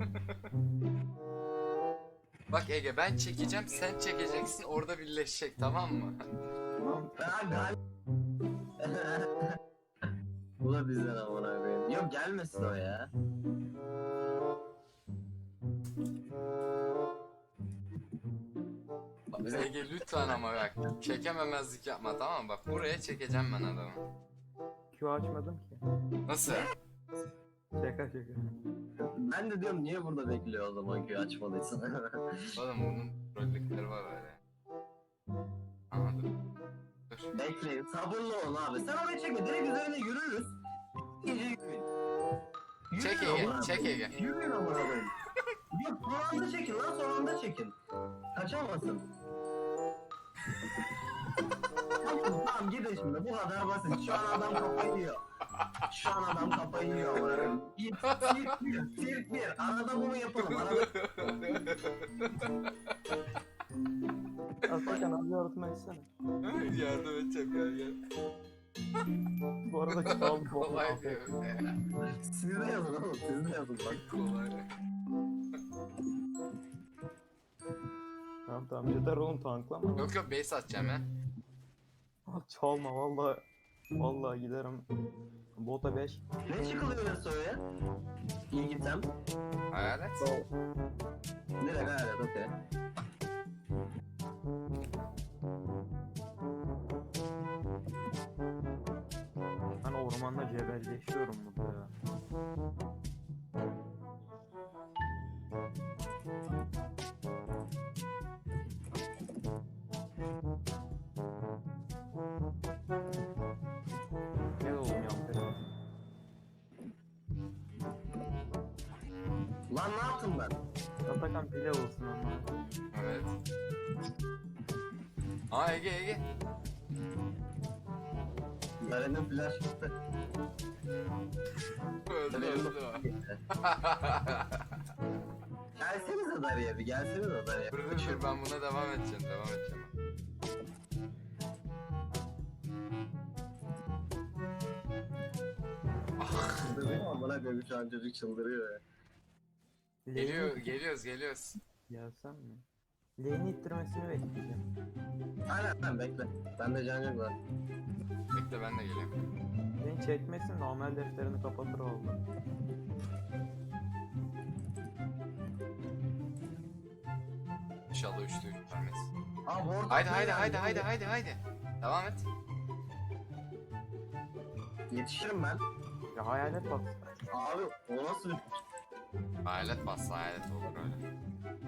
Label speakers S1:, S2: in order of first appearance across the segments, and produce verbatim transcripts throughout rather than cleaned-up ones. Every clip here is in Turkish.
S1: Bak Ege, ben çekeceğim, sen çekeceksin, orada birleşecek, tamam mı?
S2: Ben gal... Bu da bizden amına koyayım. Yok gelmesin o ya. Bize...
S1: Ege lütfen ama bak, çekememezlik yapma, tamam mı? Bak buraya çekeceğim ben adamı.
S3: Q açmadım ki.
S1: Nasıl?
S3: Şaka şaka.
S2: Ben de diyorum niye burada bekliyor o zaman ki açmalıysan.
S1: Oğlum bunun trollükleri var öyle. Anladım. Dur.
S2: Bekleyin sabırlı ol abi. Sen oraya çekme direkt üzerine yürürüz. İyice yürüyün.
S1: Çek
S2: Yürüyün
S1: Ege,
S2: amına
S1: çek
S2: koyayım.
S1: Ege.
S2: Yürüyün amına koyayım. Yok son anda çekin lan son anda çekin. Kaçamazsın. Tamam, tamam gidin şimdi bu kadar basit. Şu an adam kafayı yiyor. Şu an adam kafayı yiyor amına koyayım. Bir, Sirk bir, sirk bir. Arada bunu yapalım. Arada...
S3: Atakan abi yardım etsene.
S1: Yardım edeceğim gel gel.
S3: Bu arada çal bu.
S1: Kolay diyor.
S2: Siz de yazın oğlum siz de yazın bak.
S1: Kolay.
S3: Tamam tamam yeter oğlum tanklama.
S1: Yok yok, base atacağım ya.
S3: Ah, çalma vallahi. Vallahi giderim. Bota beş.
S2: Ne çıkılıyor Yasuo'ya? İyi gitsem.
S1: Hayalet.
S2: Direkt hayalet okey.
S3: Ben ormanda cebelleşiyorum burada ya. Gel oğlum yan.
S2: Lan ne yaptım ben?
S3: Atakan pile olsun ama.
S1: Evet. Aa Ege Ege.
S2: Garen'in flash gitti.
S1: Öldü öldü o.
S2: Gelsenize Dariye bir gelsenize Dariye.
S1: Dur dur dur, ben buna devam edeceğim devam edeceğim.
S2: Çıldırıyor bana göre şu an çocuk çıldırıyor ya.
S1: Geliyor geliyoruz geliyoruz.
S3: Gelsem mi? Lane'i ittirmesini bekleyeceğim.
S2: Aynen aynen bekle. Bende can yok var.
S1: Bekle ben de geleyim.
S3: Lane çekmesin normal defterini kapatır oldu.
S1: İnşallah üçte üç vermez.
S2: Aa bu orta.
S1: Haydi haydi haydi haydi haydi haydi. Devam et.
S2: Yetişirim ben.
S3: Ya hayalet bak.
S2: Abi o nasıl bir...
S1: Hayalet bassa hayalet olur öyle.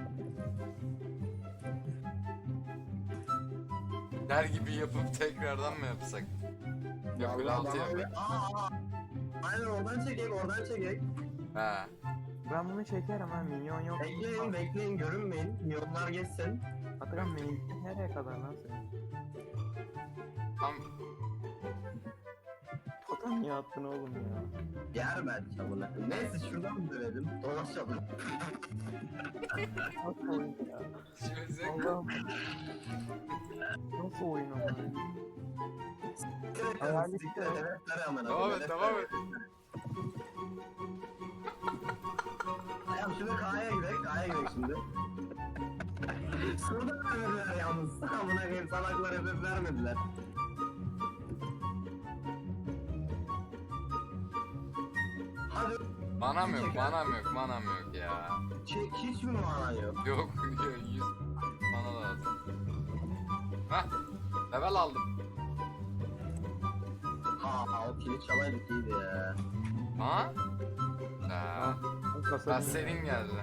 S1: Der gibi yapıp tekrardan mı yapsak? Yok böyle altı
S2: bana öyle-
S1: yap.
S2: Aa, aa. Aynen oradan çekek oradan çekek.
S1: Ha.
S3: Ben bunu çekerim ha minyon yok.
S2: Bekleyin bekleyin görünmeyin. Milyonlar geçsin.
S3: Atakan minyon nereye kadar lan senin?
S1: Tam
S3: Totem niye attın oğlum ya?
S2: Yer ben çabuk. Neyse şuradan dönelim. Dolaşalım.
S3: Nasıl oyun ya?
S1: içimize
S3: Allah'ım. Nasıl oyun ama?
S2: Siktir et
S3: Hayal
S2: siktir et. Evet ver hemen.
S1: devam et devam et.
S2: Tamam şimdi K'ya gidelim. K'ya gidelim şimdi. Şurada vermediler yalnız. Amına koyayım salaklar hep vermediler. Hadi
S1: Manam yok manam yok manam yok ya.
S2: çek hiç mi mana yok?
S1: Yok yüz mana lazım. Hah. Level aldım.
S2: Ha o kili çalaydık iyiydi ya.
S1: Ha? Ha.
S3: Bu kasa
S1: Ben senin geldi.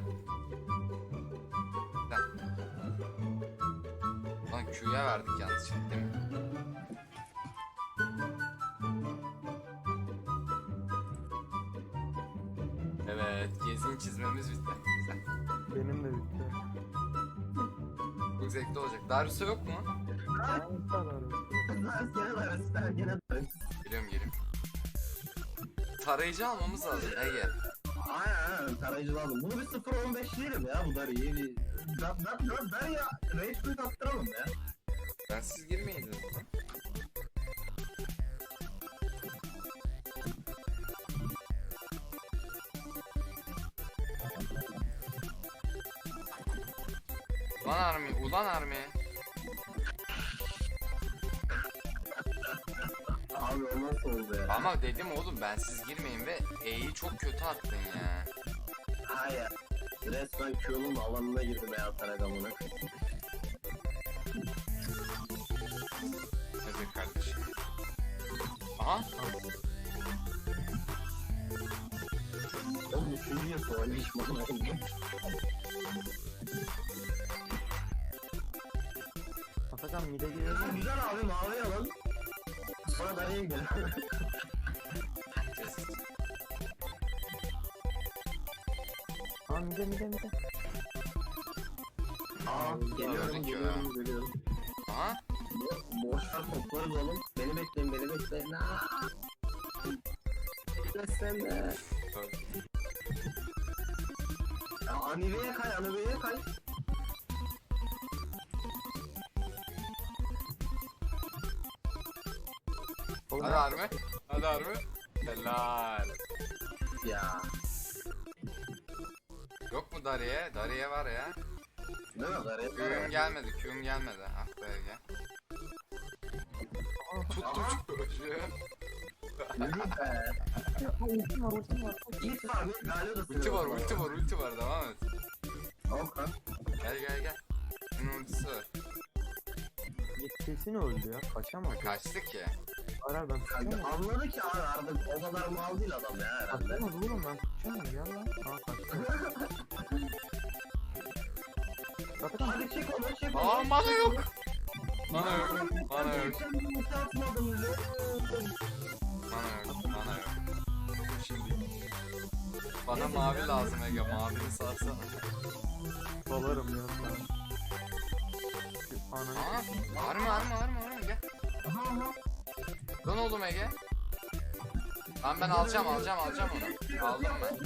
S1: Heh. Lan Q'ya verdik yanlış değil mi? Evet, gezin çizmemiz bitti. Güzel.
S3: benim de bitti.
S1: Çok zevkli olacak. Darius'a yok mu?
S3: Aynı kadar.
S2: Kızlar gene darız, ben gene darız.
S1: Geliyorum geliyorum. Tarayıcı almamız lazım Ege.
S2: Aynen aynen tarayıcı aldım. Bunu bir sıfır on beş diyelim ya bu dar iyi bir... Ben, ben, ben, ben ya Rage Quit attıralım ya.
S1: Ben siz girmeyin dedim. Ulan Army, ulan Army.
S2: Abi o nasıl oldu ya?
S1: Ama dedim oğlum ben siz girmeyin ve E'yi çok kötü attın ya.
S2: Hayır. Resmen Q'nun alanına girdim ya Taragamına.
S1: Nedir kardeşim? Aha.
S2: Oğlum üçüncü yıl sonra hiç bana oldu.
S3: Atakan mide giriyor.
S2: Güzel abi mavi alalım. Sonra da neye gidelim?
S3: Aa mide mide mide.
S2: Aa geliyorum
S1: Gördük
S2: geliyorum
S1: ya.
S2: geliyorum.
S1: Aha.
S2: Boşver toplarız oğlum. Beni bekleyin beni bekleyin. Aaa. Beklesene. Ya Anive'ye kay Anive'ye kay.
S3: Oğlum
S1: Hadi Army. Hadi Army. Helal.
S2: Ya.
S1: Yok mu Dariye? Dariye var ya.
S2: Ne kadar ya?
S1: Q'um gelmedi, Q'um gelmedi. Ah be Ege. Tuttum çocuğu.
S2: Yürü be.
S3: ultim var ultim var.
S2: Git var bir galiba da
S1: Ulti var, ulti var, ulti var. Devam et.
S2: Oka.
S1: Gel gel gel. Bunun ultisi var.
S3: Kesin öldü ya. Kaçamaz.
S1: Kaçtı ki.
S3: Arar ben tutacağım.
S2: Anladı ki abi artık o kadar mal değil adam ya herhalde.
S3: Kaçamaz oğlum ben tutacağım ya lan. Aa kaçtı. Atakan
S2: Hadi çek onu çek onu.
S1: Aa mana yok. Mana yok. Mana yok.
S2: Atmadım lan.
S1: Mana yok. Mana yok. Şimdi. Bana mavi lazım Ege. Mavini sarsana.
S3: dalarım ya sana. Ananı.
S1: Aa, arma arma arma arma gel.
S2: Aha aha.
S1: Dön oğlum Ege. Lan ben alacağım alacağım alacağım onu. Aldım ben.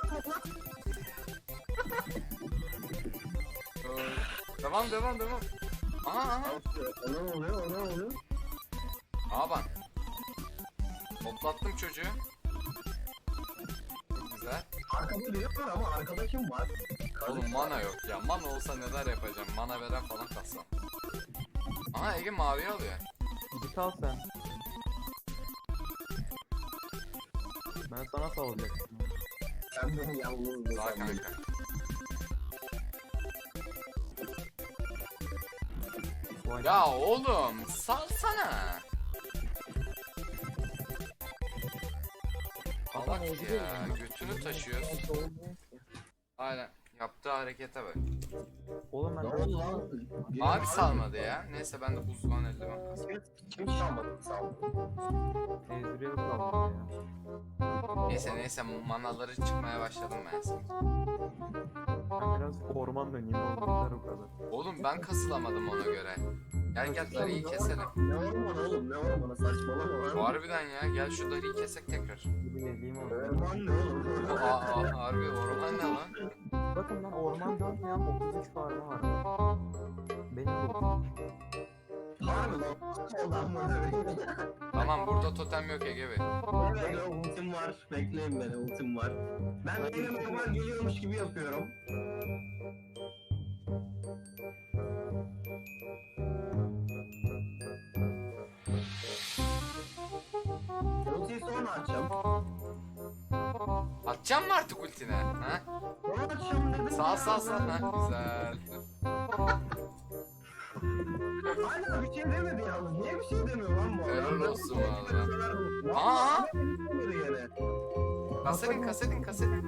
S1: Devam devam devam. Aha aha.
S2: Ona oluyor ona oluyor.
S1: Aa bak. Toplattım çocuğu. Çok güzel.
S2: Arkada biri var ama arkada kim var?
S1: Oğlum mana yok ya. Mana olsa neler yapacağım. Mana veren falan kalsam. Aha Ege maviyi alıyor.
S3: Git al sen. Ben sana salacaktım.
S2: Sen beni yalnız
S1: Daha
S2: bırakma.
S1: kanka.
S3: Vay.
S1: Ya oğlum salsana.
S3: Adam
S1: Salak
S3: öldürüyor
S1: ya.
S3: beni.
S1: Götünü taşıyoruz. Aynen. Yaptığı harekete bak.
S3: Oğlum ben
S2: Ne oldu lan? Biri
S1: Abi
S2: var
S1: salmadı ya. Neyse ben de buzluğun eldiven kasım.
S2: mı? Kim çalmadı salmadı.
S3: Ezreal kaldım ya.
S1: Neyse neyse manaları çıkmaya başladım ben şimdi.
S3: Ben biraz orman döneyim oğlum. O kadar.
S1: Oğlum ben kasılamadım ona göre. Gel gel Dari'yi keselim.
S2: Ne orman oğlum ne ormanı saçmalama lan.
S1: Harbiden ya gel şu Dari'yi kesek tekrar.
S3: Bir geleyim oğlum.
S2: Orman ne oğlum?
S1: Aa, aa harbi orman ne lan?
S3: Bakın ben orman dönmeyen otuz üç farmı var. Benim bu.
S2: Harbi lan. Ondan mı?
S1: Tamam burada totem yok Ege Bey.
S2: Evet ultim var. Bekleyin beni ultim var. Ben benim normal geliyormuş gibi yapıyorum. Ultiyi sonra açacağım.
S1: Atacağım mı artık ultine? Ha?
S2: Sonra açacağım dedim.
S1: Sağ sağ sağ. Ha, güzel.
S2: Hala bir şey demedi yalnız. Niye bir şey demiyor lan bu adam?
S1: Helal olsun valla.
S2: Aa!
S1: Aa!
S2: Yine.
S1: Kasedin kasedin kasedin.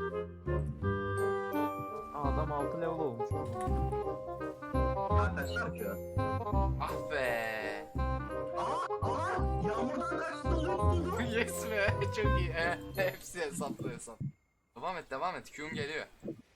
S3: Aa, adam altı level olmuş oğlum.
S2: Arkadaşlar ki.
S1: Ah be.
S2: Aa! Aa! Yağmurdan kaçtı oluyorsun.
S1: Yes be. Çok iyi. Eh, hepsi hesaplı hesap. Devam et devam et. Q'um geliyor.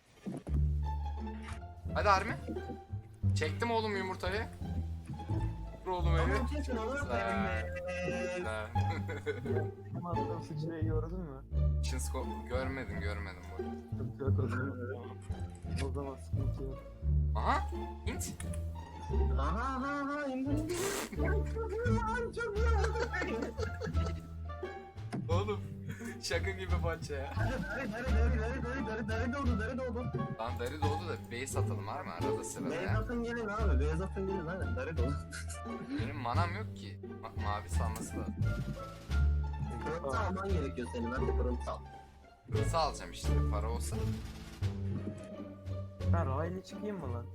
S1: Hadi Armi. Çektim oğlum yumurtayı. Dur oğlum evi.
S2: Tamam kesin onu.
S1: Güzel.
S2: Evet.
S1: Güzel.
S3: Hem attığım sıçrayı gördün mü?
S1: Çinsko görmedim görmedim bu.
S3: Sıkıntı yok o zaman. O zaman sıkıntı yok.
S1: Aha. Hint.
S2: Aha aha aha indim. Lan çok iyi.
S1: Oğlum. Şaka gibi parça ya.
S2: Hadi hadi hadi hadi hadi hadi Darı darı doğdu darı doğdu.
S1: Lan Dari doğdu da base atalım var mı arada sırada
S2: Beyaz
S1: ya?
S2: atın gelin abi. Beyaz atın gelin aynen. Darı doğdu.
S1: Benim manam yok ki. Ma- mavi salması lazım.
S2: Pırıntı alman gerekiyor senin. Hadi pırıntı al.
S1: Hızı alacağım işte para olsa.
S3: Ben raylı çıkayım mı lan?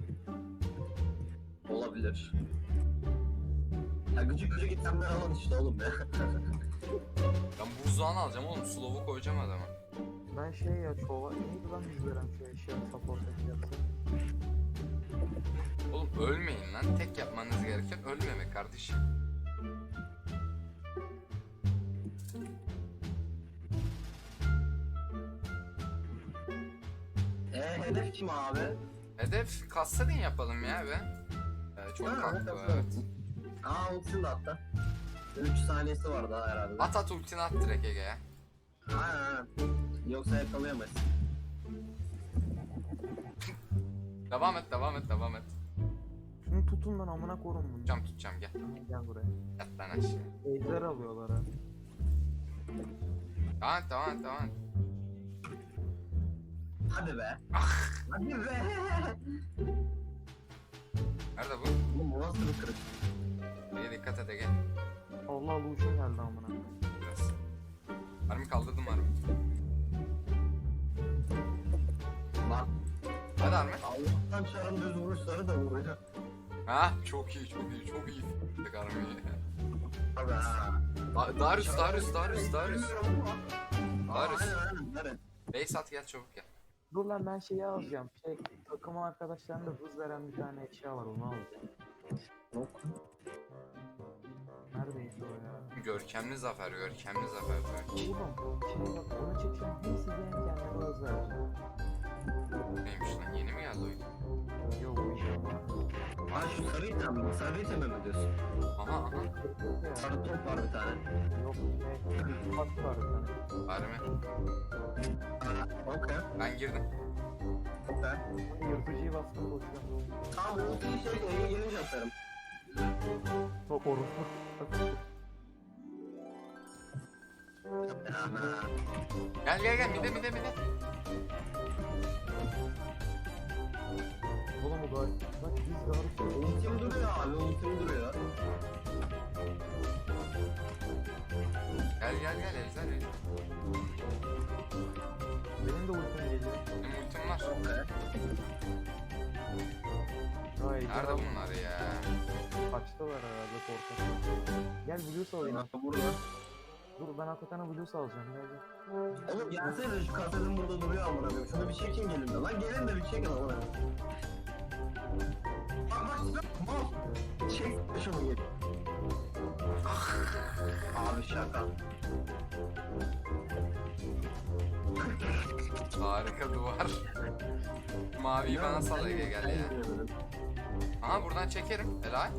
S2: Olabilir. Ya gıcık gıcık itemler alın işte oğlum ya.
S1: Ben buzdağını alacağım oğlum. Slow'u koyacağım adama.
S3: Ben şey ya çova neydi lan yüz veren şu eşya support yapsa.
S1: Oğlum ölmeyin lan. Tek yapmanız gereken ölmemek kardeşim.
S2: Eee hedef kim abi?
S1: Hedef Kassadin yapalım ya be. Ee, çok
S2: Ha,
S1: haklı
S2: evet,
S1: evet.
S2: Aa ultisini de attı. üç saniyesi var daha herhalde.
S1: At at ultini at direkt Ege'ye.
S2: Aynen aynen. Yoksa yakalayamayız.
S1: Devam et devam et devam et.
S3: Şunu tutun lan amına korun bunu.
S1: Tutacağım tutacağım gel.
S3: Gel buraya.
S1: Yat lan aşağı.
S3: Ejder alıyorlar ha.
S1: Devam et devam et devam et.
S2: Hadi be. Hadi be.
S1: Nerede bu?
S2: Oğlum bu nasıl bir kırık?
S1: Ege dikkat et Ege.
S3: Allah Lucian geldi amına.
S1: Biraz. Harbi kaldırdım harbi.
S2: Lan
S1: Hadi Harbi.
S2: Allah'tan çarın düz vuruşları da vuruyor.
S1: Ha çok iyi çok iyi çok iyi. Tık Harbi'yi.
S2: Abi ha.
S1: Da- Darius Darius Darius Darius. Darius.
S2: Aynen aynen. Evet.
S1: Base at gel çabuk gel.
S3: Dur lan ben şeyi alacağım. Şey takım arkadaşlarında hız veren bir tane eşya var onu alacağım.
S2: Yok.
S3: Neredeydi o ya?
S1: Görkemli zafer görkemli zafer. Görkem.
S3: Oğlum şimdi bak onu çekeceğim. Hem size hem kendime hız vereceğim.
S1: Neymiş lan yeni mi geldi oyun?
S3: Yok bu iş ama.
S2: Aa şu sarı item mi? Sarı item mi diyorsun?
S1: Aha aha.
S2: Sarı top var bir tane.
S3: Yok şey. Bak var bir tane.
S1: Harbi.
S2: Okey.
S1: Ben girdim.
S2: Okey.
S3: Yırtıcıyı bastım koşacağım.
S2: Tamam ultiyi şey E'ye gelince atarım.
S3: Çok orospu.
S2: Ana.
S1: Gel gel gel mide mide mide.
S3: Oğlum o gayet. Bak biz gayet.
S2: Ultim duruyor abi ultim duruyor.
S1: Gel gel gel Ejder Ejder.
S3: Benim de ultim geliyor.
S1: Benim ultim var.
S2: Okey.
S3: Hayır.
S1: Nerede bunlar ya?
S3: Kaçtılar herhalde korkak. Gel Blues alayım.
S2: Nasıl burada?
S3: Dur ben hakikaten Blues alacağım. Gel gel.
S2: Oğlum gelsene şu kasetin burada duruyor amına koyayım. Şunu bir çekin gelin de. Lan gelin de bir çekin amına koyayım. Bak bak bak. Mal. Çek şunu gel. Abi şaka.
S1: Harika duvar. Maviyi bana sal Ege gel ya. Aha buradan çekerim. Helal.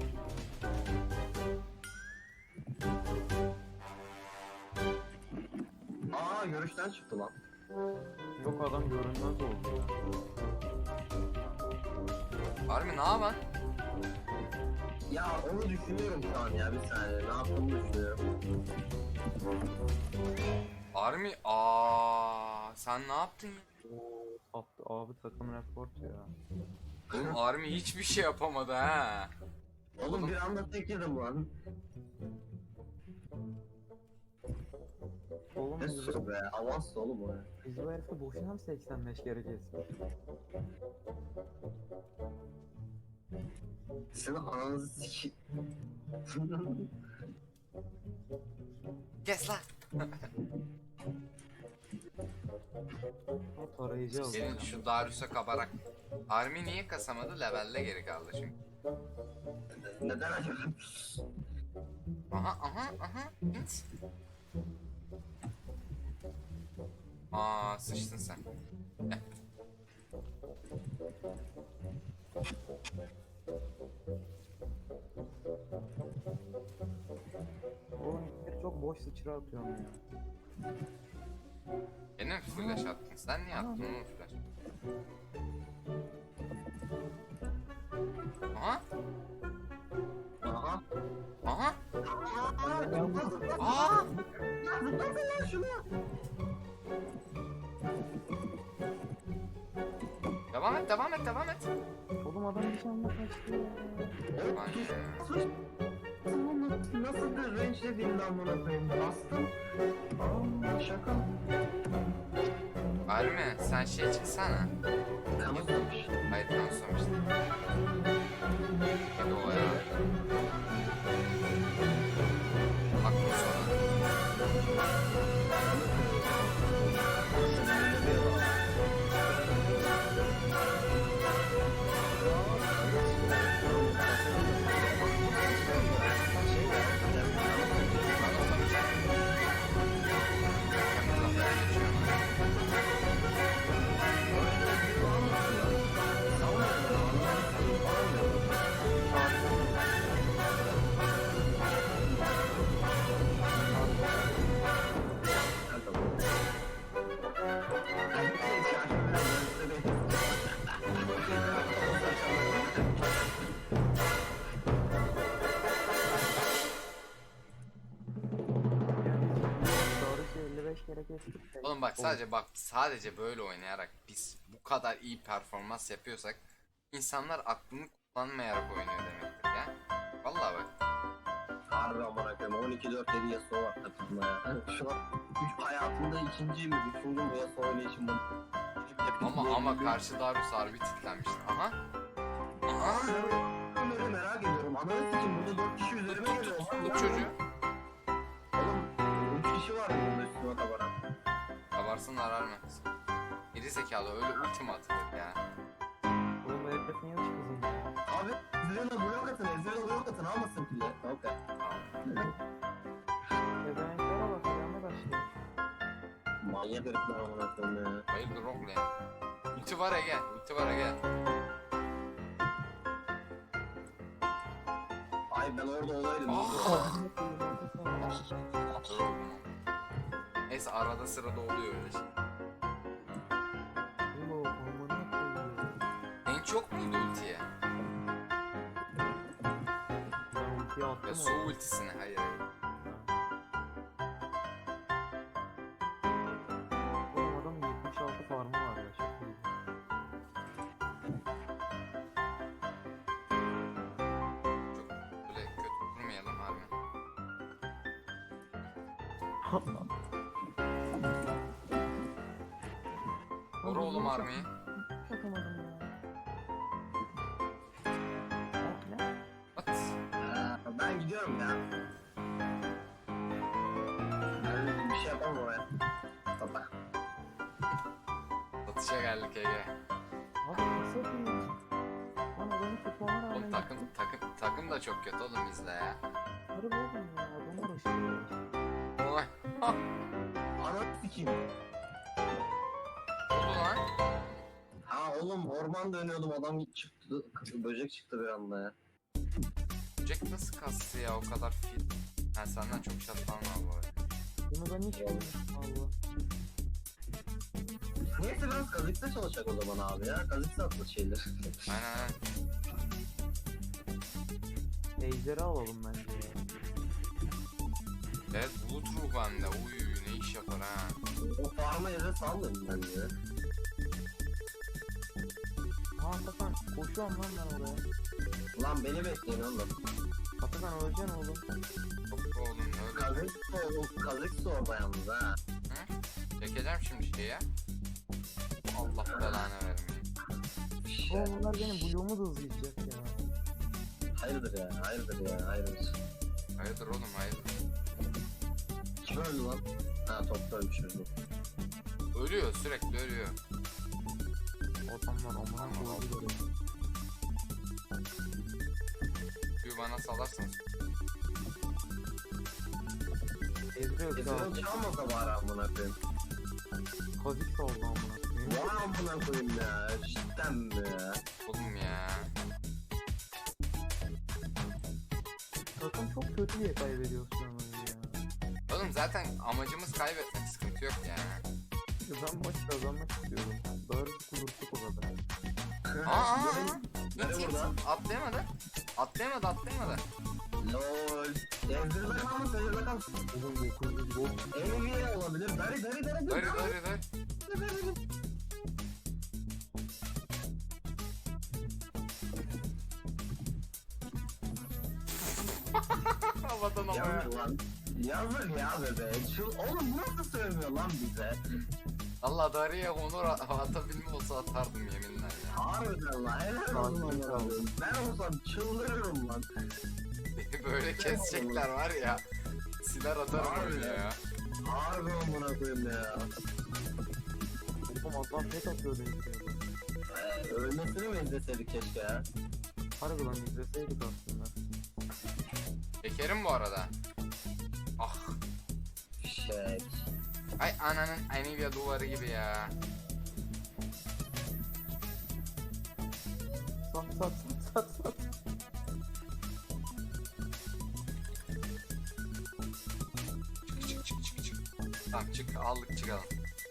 S2: Aa görüşten çıktı lan.
S3: Yok adam görünmez oldu ya.
S1: Harbi ne yapan?
S2: Ya onu düşünüyorum şu an ya bir saniye. Ne yaptığımı düşünüyorum.
S1: Harbi aa sen ne yaptın ya?
S3: Oo, Attı abi takım report ya.
S1: Oğlum Army hiçbir şey yapamadı ha.
S2: Oğlum bir anda tek yedim lan.
S3: Oğlum
S2: Ne
S3: biz,
S2: sus be. Avans oğlum o ya.
S3: biz bu herifi boşuna mı seksen beş kere kestik?
S2: Senin ananızı siki...
S1: Kes lan.
S3: O tarayıcı aldı.
S1: Gelin şu Darius'a kabarak. Army niye kasamadı? Levelle geri kaldı çünkü.
S2: Neden acaba?
S1: Aha aha aha. Hint. Aa sıçtın sen. Gel.
S3: Oğlum bir çok boş sıçra atıyorum ya.
S1: Beni mi flash attın? Sen niye attın oğlum flash? Aha.
S2: Aha.
S1: Aha.
S2: Aa!
S1: Aa.
S2: Zıplasana şunu.
S1: Devam et, devam et, devam et.
S3: Oğlum adam bir anda kaçtı ya.
S1: Lan ya.
S2: Sus. Nasıl, nasıl bir range değil lan buna koyayım. Bastım. Aa şaka.
S1: Harbi mi? Sen şey çıksana.
S2: Kanıtlamış.
S1: Hayır, kanıtlamıştım. Hadi o ya. Bak bu sana.
S3: Doğrusu elli beş kere kestik de.
S1: Oğlum bak sadece bak sadece böyle oynayarak biz bu kadar iyi performans yapıyorsak insanlar aklını kullanmayarak oynuyor demektir ya. Vallahi bak.
S2: Harbi amına koyayım. on iki dört yedi Yasuo var takımda ya. Şu an üç hayatımda ikinci mi üçüncü mü Yasuo oynayışım bu.
S1: Ama ama karşı Darius harbi titlenmişti. Aha. Aha.
S2: Ben öyle merak ediyorum. Ananı sikim burada dört kişi üzerime
S1: Tut
S2: geliyor.
S1: tut tut çocuğu.
S2: Oğlum üç kişi var burada üstüme kabaran.
S1: Kabarsın arar mı? Geri zekalı öyle ultima atılır ya.
S3: Oğlum bu herif niye uç kızım ya?
S2: Abi Ezreal'a blok atın. Ezreal'a blok atın. Almasın pili. Okey.
S3: Ebeveynlere bak adamı başlıyor.
S2: Manyak herifler amına koyayım ya.
S1: Hayırdır rock lane. Ulti var Ege. Ulti var Ege.
S2: Ay ben orada olaydım.
S1: Ah. Dur oğlum. Neyse arada sırada oluyor öyle şey.
S3: Oğlum amına koyuyor.
S1: En çok muydu ultiye?
S3: Ben ultiyi attım
S1: Ya su ultisine hayır.
S3: Oğlum adamın yetmiş altı farmı var ya çok iyi.
S1: Çok böyle kötü durmayalım abi. Vur oğlum armayı.
S3: Takamadım ya. Bak ne?
S1: At.
S2: Ee, ben gidiyorum ya. Ben bir şey yapamam oraya. Baba.
S1: Satışa geldik Ege.
S3: Abi nasıl yapayım? Lan adamı tutmama rağmen...
S1: Oğlum takım takım takım da çok kötü oğlum bizde ya.
S3: Harbi oğlum ya adamı uğraşıyor.
S1: Oy.
S2: Ananı sikeyim.
S1: Oldu lan.
S2: Ha oğlum orman dönüyordum adam çıktı. Böcek çıktı bir anda ya.
S1: Jack nasıl kastı ya o kadar fil. Ha senden çok şatlan var bu arada.
S3: Bunu ben hiç bilmiyorum valla.
S2: Neyse biraz kazıkta çalışacak o zaman abi ya. Kazıksa atlı şeyler.
S1: Aynen aynen.
S3: Ejderi alalım bence ya.
S1: Evet bulut ruh bende. Uy ne iş yapar ha.
S2: O farma yere sallayayım ben ya.
S3: Aa Atakan koşuyorum lan ben oraya.
S2: Lan beni bekleyin oğlum.
S3: Atakan öleceksin oğlum.
S1: Çok oğlum ne öyle.
S2: Kazıksa oğlum. Kazıksa orada yalnız ha.
S1: Çekeceğim şimdi şeyi ya. Allah belanı vermeyin.
S3: Oğlum bunlar benim bloğumu da hızlayacak ya.
S2: Hayırdır ya, hayırdır ya, hayırdır.
S1: Hayırdır oğlum hayırdır.
S2: Kim öldü lan? Ha topta ölmüş öldü.
S1: Ölüyor sürekli ölüyor.
S3: Adamlar amına koydu böyle.
S1: Bir bana salarsınız.
S3: Ezreal
S2: Ezreal
S3: sağ
S2: çalmasa bari amına koyayım.
S3: Kazik sağ oldu amına koyayım.
S2: Vay amına koyayım ya, cidden mi ya?
S1: Oğlum ya.
S3: Takım çok kötü diye kaybediyoruz şu an oyunu ya.
S1: Oğlum zaten amacımız kaybetmek, sıkıntı yok yani.
S3: Ben maç kazanmak istiyorum. Doğrusu kudurtuk o kadar.
S1: Aa, aa, aa.
S2: Nereye
S1: Git git.
S2: burada?
S1: Atlayamadı. Atlayamadı atlayamadı.
S2: Lol. Ezreal'da kalmış, Ezreal'da kalmış.
S3: Oğlum dokuz yüz gol çıktı.
S2: Enemy olabilir. Dari dari dari
S1: Dön dön dön. Havadan havaya.
S2: Yazık lan. Yazık ya bebe. Şu, oğlum bu nasıl sövmüyor lan bize?
S1: Allah Dariye onur a- atabilme olsa atardım yeminle ya.
S2: Harbiden lan. Helal olsun
S3: Sakin
S2: amına
S3: ol.
S2: koyayım. Ben olsam çıldırırım lan.
S1: Böyle kesecekler var ya. Siler atarım öyle ya.
S2: Harbi amına koyayım ya.
S3: Oğlum adam pek atıyor benim şeyden.
S2: Ee, ölmesini mi izleseydik keşke ya?
S3: Harbi lan izleseydik aslında.
S1: Şekerim bu arada. Ah.
S2: Şey.
S1: Ay ananın Anivia duvarı gibi ya.
S3: Sat sat sat sat sat.
S1: Çık çık çık çık çık. Tamam çık aldık çıkalım.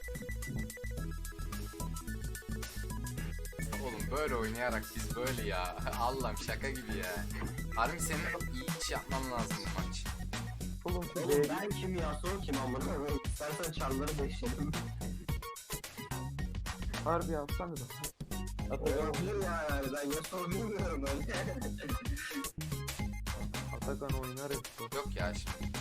S1: Oğlum böyle oynayarak biz böyle ya. Allah'ım şaka gibi ya. Harbi senin iyi iş yapman lazım bu maç.
S3: Oğlum şu
S2: Oğlum
S3: B'yi
S2: ben kim ya sor kim amına koyayım. İstersen çarları beşledim.
S3: harbi yapsana da.
S2: Olabilir ya yani ben Yasuo bilmiyorum öyle.
S3: Atakan oynar hep.
S1: Yok ya şimdi.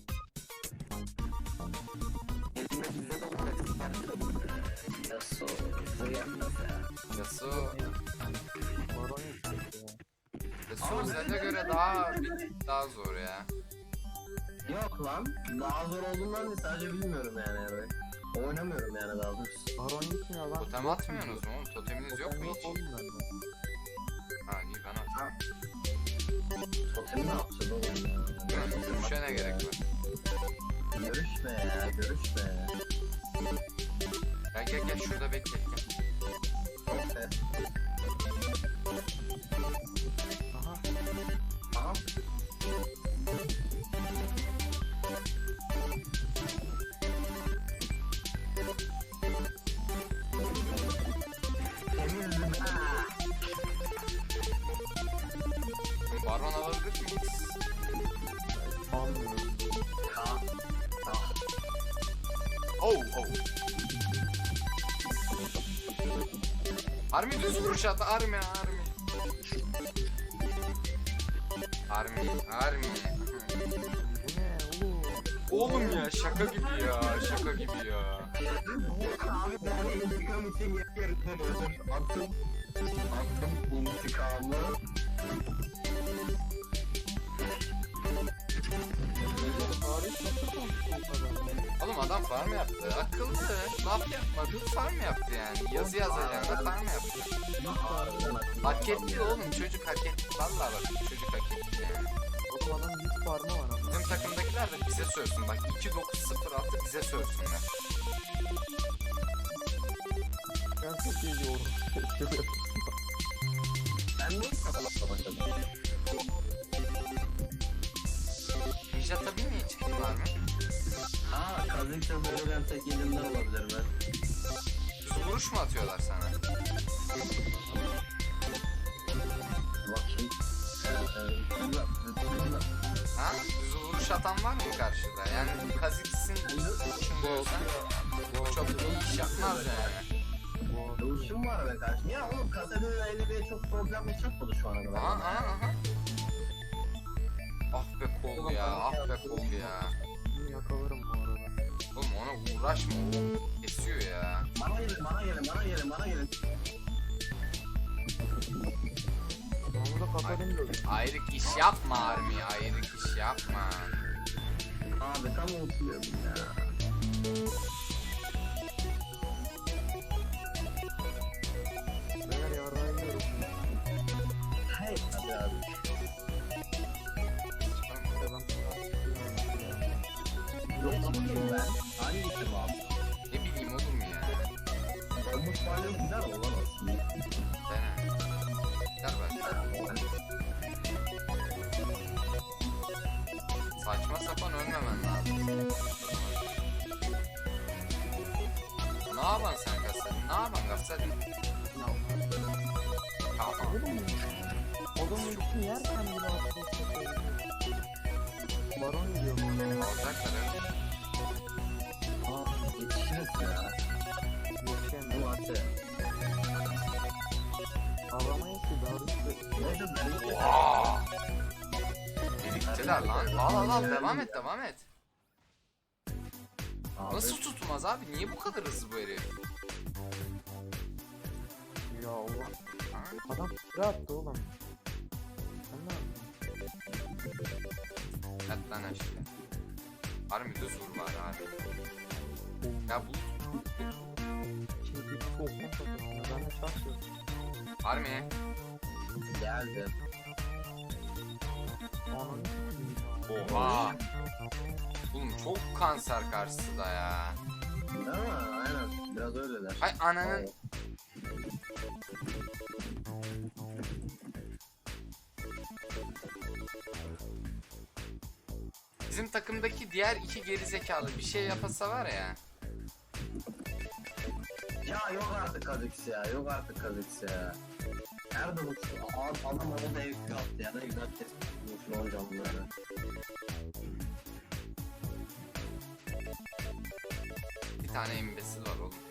S2: Yasuo. Yasuo.
S1: Yasuo,
S3: Baron yüksek ya.
S1: Yasuo Zed'e göre daha daha zor ya.
S2: Yok lan. Daha zor olduğundan değil sadece bilmiyorum yani. yani. Oynamıyorum yani daha doğrusu.
S3: Baron gitmiyor lan.
S1: Totem atmıyorsunuz mu oğlum? Toteminiz yok mu
S3: Totem
S1: hiç?
S3: oğlum bende.
S1: Ha iyi ben at.
S2: Totemi ne yapacağız oğlum?
S1: Görüşe ne gerek var?
S2: Görüşme ya görüşme.
S1: Gel gel gel şurada bekle. Gel.
S2: Okey.
S3: Aha.
S2: Aha. Temizim ha.
S1: Baron alabilir miyiz?
S3: Almıyor.
S2: Ha. Ah.
S1: Oh oh. Army düz vuruş at. Army Army. Army Army.
S3: Bu ne oğlum?
S1: Oğlum ya şaka gibi ya şaka gibi ya.
S2: Abi ben intikam için yapıyorum. Attım. Attım intikamı.
S3: Tarih nasıl konuşuyor bu kadar?
S1: Oğlum adam farm yaptı. Akıllı. Laf yapmadı. Farm yaptı yani. Yazı yazacağına farm yaptı. Hak etti oğlum. Çocuk hak etti. Vallahi bak çocuk hak etti yani.
S3: O adam yüz parma var ama.
S1: Bizim takımdakiler de bize sövsün. Bak iki dokuz sıfır altı bize sövsünler.
S3: Ben çok iyi yorum.
S2: Ben niye kapamakla başladım?
S1: Ninja tabii niye çıktılar mı?
S2: Aa, kazıkta verilen tek elimden olabilir mi?
S1: Düz vuruş mu atıyorlar sana?
S2: Bakayım.
S1: Ha? Düz vuruş atan var mı karşıda? Yani Kazix'in vuruşunu görsen çok iyi iş yapmaz yani.
S2: Dövüşüm var be kardeşim. Ya oğlum kasada elbette çok problem yaşatmadı şu ana kadar.
S1: Aha aha aha. Ah be kol ya, ah be kol ya.
S3: Bunu yakalarım bu arada.
S1: Oğlum ona uğraşma, o kesiyor ya.
S2: Bana gelin, bana gelin, bana gelin, bana gelin.
S3: Onu da katarım da.
S1: Ayrık iş yapma Army, ayrık iş yapma.
S2: Abi tam unutuyordum ya.
S3: Beyler yarrağı yiyorum.
S2: Hey hadi abi. Yok ama kim ben? Hangi kim abi?
S1: Ne bileyim oğlum ya.
S2: Olmuş hali güzel olan aslında.
S1: Dene. Gel bak. Saçma sapan ölmemen lazım. Ne yapan sen Gassadin? Ne yapan Gassadin? Tamam.
S3: Oğlum ultini yerken bile atıyorsun. Baron gidiyor bana.
S1: Alacaklar evet.
S2: Aa, yetişiriz ya.
S3: Yetişemiyor.
S2: Bu atı.
S3: Alamayız ki daha üstü.
S2: Neyse ben
S1: Oha! Biriktiler Helal lan. Al al al devam et devam et.
S2: Abi,
S1: Nasıl tutmaz abi? Niye bu kadar hızlı bu herif?
S3: Ya Allah.
S1: Ha?
S3: Adam sıra attı oğlum. Sen ne yaptın?
S1: Yat lan aşağı. Harbi düz vur bari abi. Ya bu
S3: Şimdi bir soğuktan takılıyor. Ben de çalışıyorum.
S1: harbi.
S2: geldi.
S3: Ananı
S1: Oha. Oğlum çok kanser karşısında ya.
S2: Değil mi? Aynen. Biraz öyleler.
S1: Hay ananın. Bizim takımdaki diğer iki gerizekalı bir şey yapasa var ya.
S2: Ya yok artık Kazix ya. Yok artık Kazix ya. Nerede bu? Adam adam orada ev yaptı ya da güzel kesmiş bu canlıları.
S1: Bir tane imbesil var oğlum.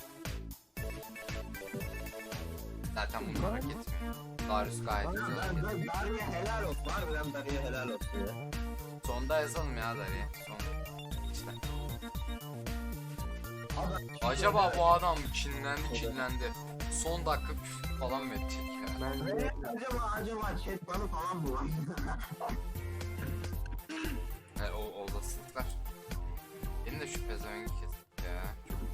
S1: Zaten bunlar hak etmiyor. Darius gayet güzel hak
S2: Ben,
S1: ediyor.
S2: ben Dariye helal olsun. Harbiden Dariye helal olsun ya.
S1: Sonda yazalım ya Dari. Son. İşte.
S2: Adam,
S1: Acaba bu adam kinlendi kinlendi. Son dakika küfür falan mı edecek ya?
S3: Ben
S2: Ne?
S3: de
S2: Acaba acaba chat bana falan mı var?
S1: E, o olasılıklar. Benim de şu pezevengi kes ya.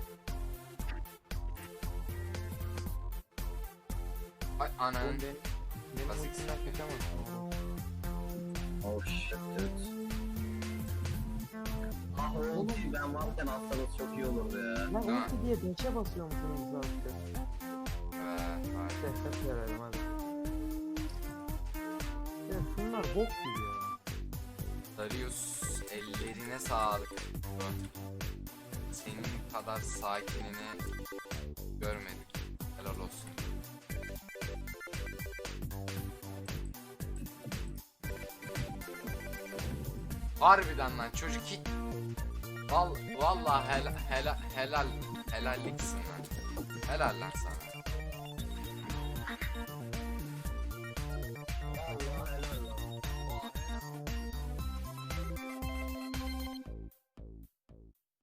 S1: Ay ananın.
S3: Oğlum ben benim
S1: Basit.
S3: ultimden kaçamazsın.
S2: Oh shit dude. Ah oğlum ben varken atsanız çok iyi olurdu ya.
S3: Lan
S1: Değil mi?
S3: ulti diye beşe basıyor musunuz zaten?
S1: Evet, evet.
S3: Ses verelim hadi. Ya şunlar bok gibi ya.
S1: Darius ellerine sağlık. Senin kadar sakinini görmedik. Helal olsun. Harbiden lan çocuk hiç... Val vallahi helal helal helal helalliksin lan. Helal lan sana.